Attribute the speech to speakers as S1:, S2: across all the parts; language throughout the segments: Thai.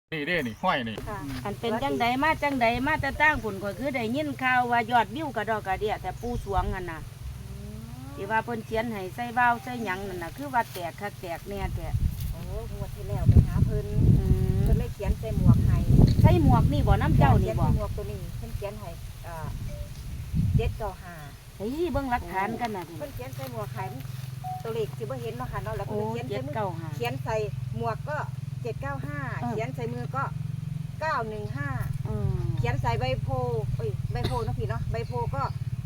S1: นี่เด้นี่ห้อยนี่
S2: อันเป็นจังใดมาจังใดมาแต่ตั้งผลก็คือได้ยินข่าวว่ายอดวิวกระดอกกระเดียแต่ปูสวงนั่นน่ะที่ว่าเพิ่นเขียนให้ใส่เบ้าใส่หยังนั่นน่ะคือว่าแตกคักแตกแน่แท้
S3: โอ้งวดที่แล้วไปหาเพิ่นเลยเขียนใส่หมวกให้
S2: ใส่หมวกนี่บ่น้ำเจ้านี่บ่
S3: หมวกตัวนี้เพิ่นเขียนให้795
S2: เฮ้ยเบิ่งหลักฐานกันน่ะ
S3: เพิ่นเขียนใส่หมวกให้ตัวเลขสิบ่เห็นเนาะค่ะเนาะแล้วเพิ่นเขียนใส่มือเขียนใส่หมวกก็795เขียนใส่มือก็915เขียนใส่ใบโพใบโพเนาะพี่เนาะใบโพก็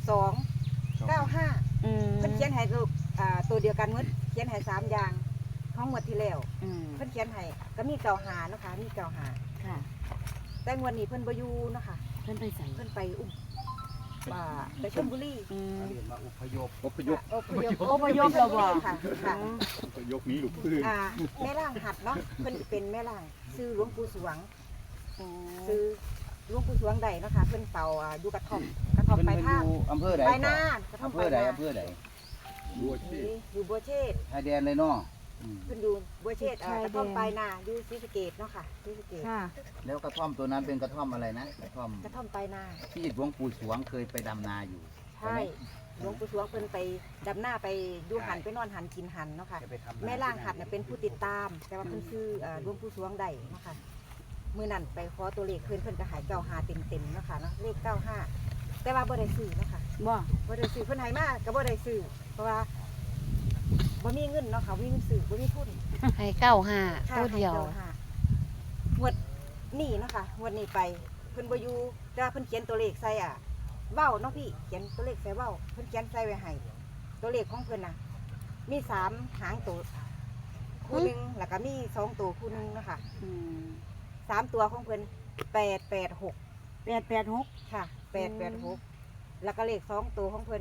S3: 295เพิ่นเขียนให้ตัวเดียวกันหมดเขียนให้3อย่างของงวดที่แล้วเพิ่นเขียนให้ก็มี95เนาะค่ะมี95
S2: ค่ะ
S3: แต่งวดนี้เพิ่นบ่อยู่เนาะค่ะ
S2: เพิ่นไปใส่
S3: เพิ่นไปไปชลบุรี
S1: มาอพยพ
S2: เราบ่
S3: ค่ะ
S1: อพยพนี้ลูกพื้น
S3: แม่ล่างหัดเนาะเพิ่นเป็นแม่ล่างซื้อหลวงปู่สวงซื้อหลวงปู่สวงใดเนาะค่ะเพิ่นเป่าอยู่กระท่อมไปท่า
S4: อำเภอใด
S3: ไปหน้ากระท่อมไปหน้า
S4: อำเภอใด
S3: อยู่บัวเชษ
S4: ชายแดนเลยเนาะ
S3: เพิ่นอยู่บัวเชษกระท่อมไปหน้าอยู่ศรีสะเกษเนาะค่ะศรีสะเกษ
S4: แล้วกระท่อมตัวนั้นเป็นกระท่อมอะไรนะกระท่อม
S3: ไปหน้า
S4: ที่หลวงปู่สวงเคยไปดำนาอยู่
S3: ใช่หลวงปู่สวงเพิ่นไปดำหน้าไปดูหันไปนอนหันกินหันเนาะค่ะแม่ล่างหัดเนี่ยเป็นผู้ติดตามแต่ว่าเพิ่นชื่อหลวงปู่สวงใดเนาะค่ะมื้อนั้นไปขอตัวเลขเพิ่นก็หาย95เต็มเนาะค่ะเนาะเลข95แต่ว่าบ่ได้ซื้อเนาะค่ะบ่ได้ซื้อเพิ่นให้มาก็บ่ได้ซื้อเพราะว่าบ่มีเงินเนาะค่ะบ่มีเงินซื้อบ่มีทุน
S2: ให้95ตัวเดียว
S3: งวดนี้เนาะค่ะงวดนี้ไปเพิ่นบ่อยู่แต่ว่าเพิ่นเขียนตัวเลขใส่เว้าเนาะพี่เขียนตัวเลขใส่เว้าเพิ่นเขียนใส่ไว้ให้ตัวเลขของเพิ่นน่ะมี3หางตัวคู่นึงแล้วก็มี2ตัวคู่นึงเนาะค่ะ3ตัวของเพิ่น886ค่ะ886แล้วก็เลข2ตัวของเพิ่น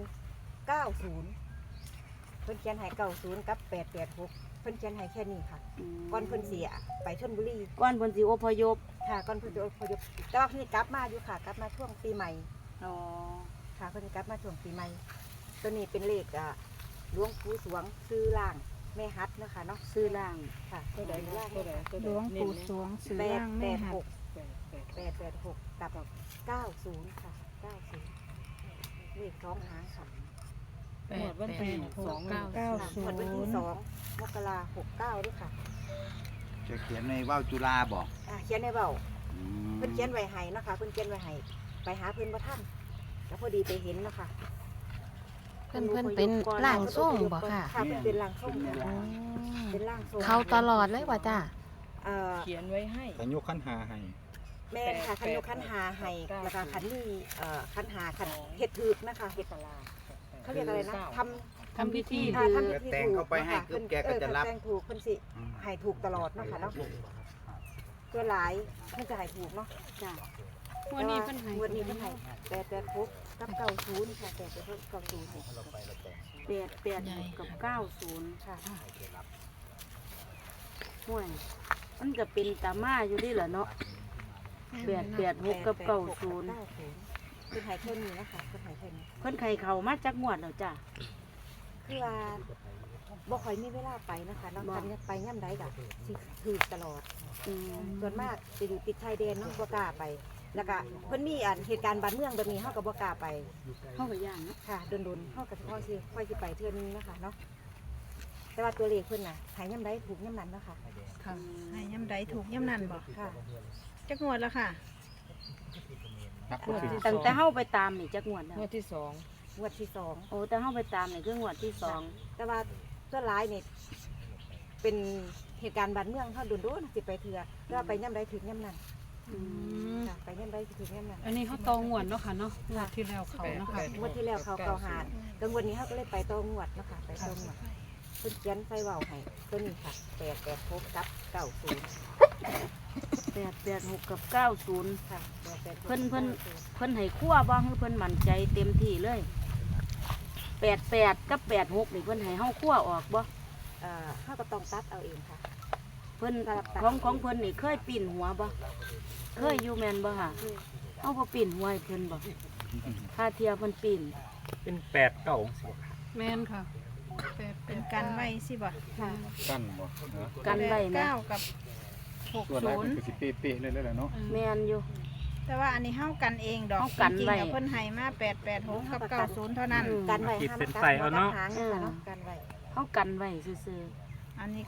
S3: 90เพิ่นเขียนให้90กับ886เพิ่นเขียนให้แค่นี้ค่ะก่อนเพิ่นเสียไปชลบุรี
S2: ก่อนเพิ่นสิอพยพ
S3: ค่ะก่อนเพิ่นสิอพยพแต่ว่าเพิ่นกลับมาอยู่ค่ะกลับมาช่วงปีใหม่ค่ะเพิ่นกลับมาช่วงปีใหม่ตัวนี้เป็นเลขหลวงปู่สวงซื้อล่างแม่ฮัดนะคะเนาะ
S2: ซื้อล่าง
S3: ค่ะตัวใดล่าง
S5: หลวงปู่สวงซื้อล่างแม่ฮัด
S3: 886กับ90ค่ะ90เลข2หางค่ะ
S5: วันที่290
S3: วันที่2มกราคม69ด้วยค่ะ
S4: จะเขียนในว่าวจุฬาบอก
S3: เขียนในเบ้าเพิ่นเขียนไว้ให้นะคะเพิ่นเขียนไว้ให้ไปหาเพิ่นบ่ทันแล้วพอดีไปเห็นนะคะ
S2: เพิ่นเป็นร่างทรงบ่ค่ะ
S3: ค่ะเพิ่นเป็นร่างทรงเป็นร่างทรง
S2: เขาตลอดเลยว่าจ้า
S5: เขียนไว้ให้
S1: ขันยกขันหาให้
S3: แม่ค่ะขันยกขันหาให้แล้วก็ขันนี่ขันหาขันเฮ็ดถูกนะคะเฮ็ดเขาเรียกอะไรนะ
S5: ทำพิธี
S4: แต่งเข้าไปให้คือแกก็จะรับ
S3: แต่งถูกเพิ่นสิให้ถูกตลอดเนาะค่ะเนาะตัวหลายเพิ่นจะให้ถูกเนาะจ้ะ
S5: วันนี้เพิ่นให้
S3: 886กับ90ค่ะ886กับ90
S2: 886กับ90
S3: ค่ะ
S2: ห่วยมันก็เป็นตาม่าอยู่ดิล่ะเนาะ886กับ90
S3: เพิ่นให้แค่นี้นะคะเพิ่นให้แค่นี้
S2: เพิ่นไข่เขามาจากงวดแล้วจ้ะ
S3: คือว่าบ่ค่อยมีเวลาไปนะคะเนาะคันไปย่ำใดก็สิถูกตลอดส่วนมากจะอยู่ติดชายแดนเนาะบ่กล้าไปแล้วก็เพิ่นมีเหตุการณ์บ้านเมืองแบบนี้เฮาก็บ่กล้าไป
S2: เฮาก็ย่านเนาะ
S3: ค่ะโดนๆเฮาก็ค่อยสิไปเทื่อนึงนะคะเนาะแต่ว่าตัวเลขเพิ่นน่ะหายย่ำใดถูกย่ำนั้นเนาะค่ะ
S5: ค่ะให้ย่ำใดถูกย่ำนั้นบ่
S3: ค่ะ
S5: จักงวดแล้วค่ะ
S2: ตั้งแต่เฮาไปตามนี่จักงวดแล้ว
S5: งวดที่
S3: 2
S2: โอ้แต่เฮาไปตามนี่คืองวดที่2
S3: แต่ว่าส่วนหลายนี่เป็นเหตุการณ์บ้านเมืองเฮาโดนๆสิไปเทื่อแล้วไปย่ำใดถึงย่ำนั้นค่ะไปย่ำใดถึงย่ำนั้น
S5: อันนี้เขาตองวดเนาะค่ะเนาะงวดที่แล้วเขาเนาะค่ะ
S3: งวดที่แล้วเขาเก่าหาดกังวดนี้เฮาก็เลยไปตองวดเนาะค่ะไปตองวดเพิ่นเขียนใส่เว้าให้ตัวนี้ค่ะ886กับ
S2: 886กับ90
S3: ค่ะ
S2: เพิ่นให้คั่วบ่คือเพิ่นมั่นใจเต็มที่เลย88กับ86นี่เพิ่นให้เฮาคั่วออกบ่
S3: เฮาก็ต้องตัดเอาเองค่ะ
S2: เพิ่นของเพิ่นนี่เคยปีนหัวบ่เคยอยู่แม่นบ่ค่ะเฮาบ่ปีนหัวให้เพิ่นบ่ถ้าเทียเพิ่นปีน
S1: เป็น8-9สิ
S5: แม่นค่ะเป็นกันไว้สิบ่
S3: ค่ะ
S1: กันบ่
S2: กันไว้
S5: 9กับ
S1: ส่วนแรกมันคือสิเป๊ะๆเลยแหละเนาะ
S2: แม่นอยู่
S5: แต่ว่าอันนี้เฮากันเองดอก
S2: เฮากัน
S5: จริง
S2: ไว้
S5: ๆแล้วเพิ่นให้มา886กับ90เท่านั้น
S3: กันไว้
S1: ขีด
S3: ห้าม
S1: เป็น
S3: กั
S1: ไส้เอาเนาะ
S3: หางค่ะเนาะกันไว้
S2: เฮากันไว้ซื่อ
S5: อันนี้ก็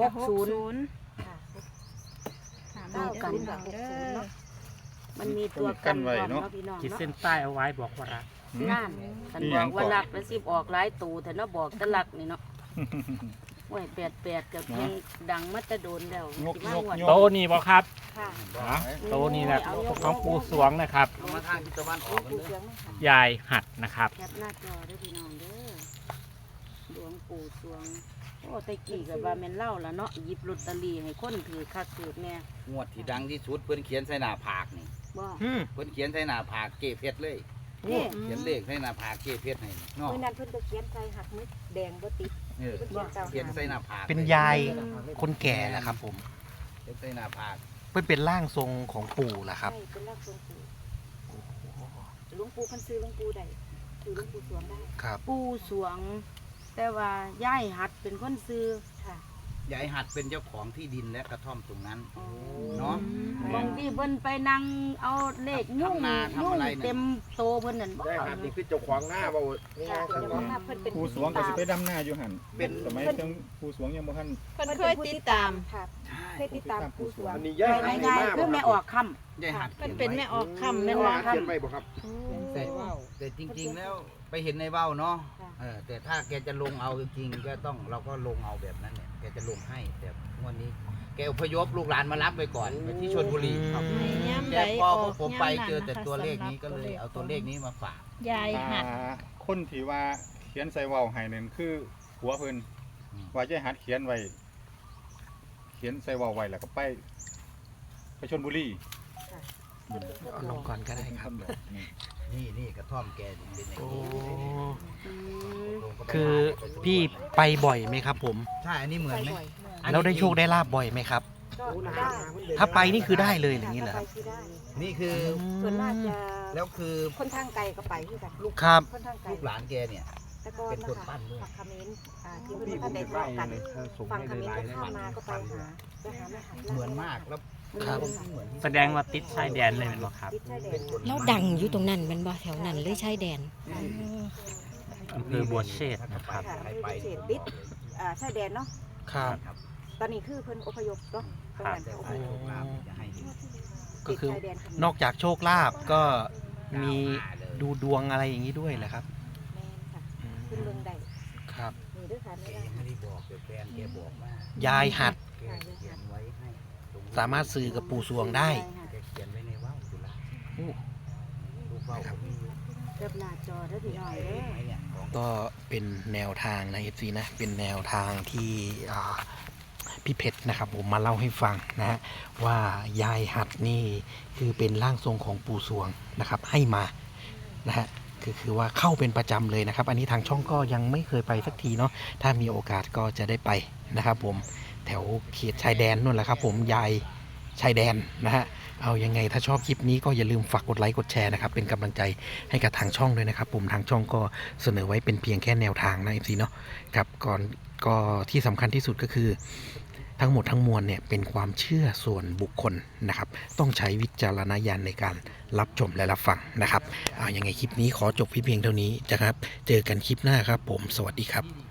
S2: 60
S3: ค่ะ
S5: ถาม
S2: เท่ากัน
S5: เด้อเด้อ
S2: ๆมันมีตัวกันพร้อมเนาะพี่น้อง
S1: ขีด
S2: เนาะ
S1: เส้นใต้เอาไว้บอกว่ารัก
S2: นั่นฉันบอกว่าลักแล้วสิออกหลายตูแต่เนาะบอกแต่ลักนี่เนาะโอ้ย88กับเพลงดังมาแต่โดนแล้ว
S1: งก
S2: สิมาง
S1: ก
S2: วด
S1: งกโตนี่บ่ครับ
S3: ค่ะ
S1: โตนี่แหละของปูสวงนะครับ
S4: เอามาทางทิศตะวันออกกัน
S3: ปู
S4: เลย
S3: เสียงไหมคะ
S1: ยายหัดนะครับ
S2: แคปหน้าจอเด้อพี่น้องเด้อหลวงปู่สวงโอ้แตะกี้ก็ว่าแม่นเล่าละเนาะหยิบลอตเตอรี่ให้คนถือคักถือแน่
S4: งวดที่ดังที่สุดเพิ่นเขียนใส่หน้าผากนี่
S2: บ่
S4: เพิ่นเขียนใส่หน้าผากเก็บเพชรเลย
S2: นี่
S4: เขียนเลขใส่หน้าผากเก็บเพชรให้เนาะ
S3: เมื่อนั้นเพิ่นก็เขียนใส่หักมึกแดงบ่ติด
S4: เออ
S3: เพิ่นเขียนเจ้า
S4: เขียนใส่หน้าผาก
S6: เป็นยายคนแก่นะครับผม
S4: เขียนใส่หน้าผาก
S6: เป็นร่างทรงของปู่แหละครับ
S3: ใช่เป็นร่างทรงปู่หลวงปู่เพิ่นซื้อหลวงปู่ได้คือหลวงปู่สวงได้
S6: ครับ
S2: ปู่สวง แต่ว่าย่ายหัดเป็นคนซื้อ
S3: ค่ะ
S4: ยายหัดเป็นเจ้าของที่ดินและกระท่อมตรงนั้น เนาะ
S2: บางทีเพิ่นไปนั่งเอาเลขยุ่ง
S4: ทำนาทำ
S2: ยุ่ง
S4: อะไรน่ะ
S2: เต็มโตเพิ่นนั่นบ่
S7: ได้ครับนี่คือเจ้าของหน้าเบานี่
S3: ค่ะ
S7: นะ
S3: เดี๋ยวว่าเพิ่นเป็น
S1: ปูสวงก็สิไปดำหน้าอยู่หัน
S4: เป็น
S1: สมัยจังปูสวงยังบ่ทัน
S5: เพิ่นเคยติดตาม
S3: ค่ะเคยติดตามปู่สวง
S7: อันนี้ย่าย
S2: ไป
S7: หัด
S2: ง่าย
S7: มาก
S2: ๆคือแม่ออกค่ำ
S4: ยายหัด
S5: เพิ่นเป็นแม่ออกค่ำ
S7: แม่
S5: แม่
S7: ว่า
S5: ว่า
S7: เขียนไปบ่ครับ
S4: แต่จริงๆแล้วไปเห็นในเบ้าเนาะแต่ถ้าแกจะลงเอาจริงๆก็ต้องเราก็ลงเอาแบบนั้นเนี่ยแกจะลงให้แต่งวันนี้แกอพยพลูกหลานมารับไปก่อนไปที่ชลบุรีครับ
S5: ให้ย่ำ
S4: แต่
S5: ใด
S4: พอ
S5: อ
S4: พ
S5: อ
S4: ว
S5: ก
S4: กผมไป
S5: ย่ำ
S4: เจอแต่
S5: นะคะ
S4: ตัวเลขนี้
S5: สำหรับ
S4: ก็เลยเอาตัวเลขนี้มาฝาก
S5: ยายหัด
S1: คนที่ว่าเขียนใส่เว้าให้นั่นคือหัวเพิ่นว่าจะหัดเขียนไว้เขียนใส่เว้าไว้แล้วก็ไปชลบุรี
S6: เอาลงก่อนก็ได้ครับ
S4: นี่กระท่อมแกเป็นอย่าง
S6: โอ้
S4: นี้
S2: อืม
S6: คือพี่ไปบ่อยไหมครับผม
S4: ใช่อันนี้เหมือนไหม
S3: บ่อย
S6: แล้วได้โชคได้ลาบบ่อยไหมครับ
S3: ก็ได้
S6: ถ้าไปนี่คือได้เลยอย่างนี้เหรอ
S3: ไป
S6: ครับ
S3: ที่ได้
S4: นี่คือ
S3: ส่วนมากจะ
S4: แล้วคือ
S3: คนทางไกลก็ไปคือกันลูก
S6: ครับ
S3: คนทางไกล
S4: ลูกหลานแกเนี่ย
S3: แต่ก่อน
S4: เป็น
S3: นะ
S4: คน
S3: คะ
S4: ปั้นด้วย
S3: ฝั่งเขมรที่เพิ่นท่านได้ทะเลาะกันฝั่งเขมรก็ข้ามมาก็ไปหาแม่หัด
S4: เหมือนมากแล้ว
S6: ครับ
S4: เหมือนที่
S1: แสดงว่าติดชายแดนเลยแม่นบ่ครับ
S3: ติดชายแดน
S8: แล้วดังอยู่ตรงนั้นแมันบ่แถวนั้นเลยชายแดน
S1: อำเภอบัวเชษฐ์นะครับ
S3: ค่ะ
S4: ใคร
S3: คือ
S4: ไป
S3: เขตติดชายแดนเนาะ
S6: ครับ
S3: ตอนนี้คือเพิ่นอพยพเนาะตรงนั้น
S4: แต่
S3: อพ
S4: ว่าย
S3: พ
S4: โชคลาภจะให้ดี
S6: ก็คือ
S3: ติดชายแดนเขมร
S6: นอกจากโชคลาภก็มีดูดวงอะไรอย่างนี้ด้วยแหละครับ
S3: แม่นค่ะ
S6: อืม
S3: ขึ้นเมืองใด
S6: ครับ
S3: นี่ด้วยค่ะ
S4: แก
S3: แม่
S4: ยังไม่ได้บอกแต่แฟนแกบอกว่าย
S6: ายหัด
S4: แกเขียนไว้ให้ตรงนี้
S6: สามารถสื่อกับปู่สวงได้
S4: แกเขียนไว้ในว่าวจุฬา
S6: โอ้
S4: ลูกว่าวผมมีอยู่
S2: เก็บหน้าจอเด้อพี่น้องเด้อ
S4: ไหมเนี่ยของ
S6: ก็เป็นแนวทางนะ FC นะ เป็นแนวทางที่พี่เพชรนะครับผมมาเล่าให้ฟังนะฮะว่ายายหัดนี่คือเป็นร่างทรงของปู่สวงนะครับให้มานะฮะคือว่าเข้าเป็นประจำเลยนะครับ อันนี้ทางช่องก็ยังไม่เคยไปสักทีเนาะถ้ามีโอกาสก็จะได้ไปนะครับผมแถวเขตชายแดนนู่นแหละครับผมยายชายแดนนะฮะเอายังไงถ้าชอบคลิปนี้ก็อย่าลืมฝากกดไลค์กดแชร์นะครับเป็นกำลังใจให้กับทางช่องด้วยนะครับผมทางช่องก็เสนอไว้เป็นเพียงแค่แนวทางนะ FC เนาะครับก่อนก็ที่สำคัญที่สุดก็คือทั้งหมดทั้งมวลเนี่ยเป็นความเชื่อส่วนบุคคลนะครับต้องใช้วิจารณญาณในการรับชมและรับฟังนะครับยังไงคลิปนี้ขอจบเพียงเท่านี้นะครับเจอกันคลิปหน้าครับผมสวัสดีครับ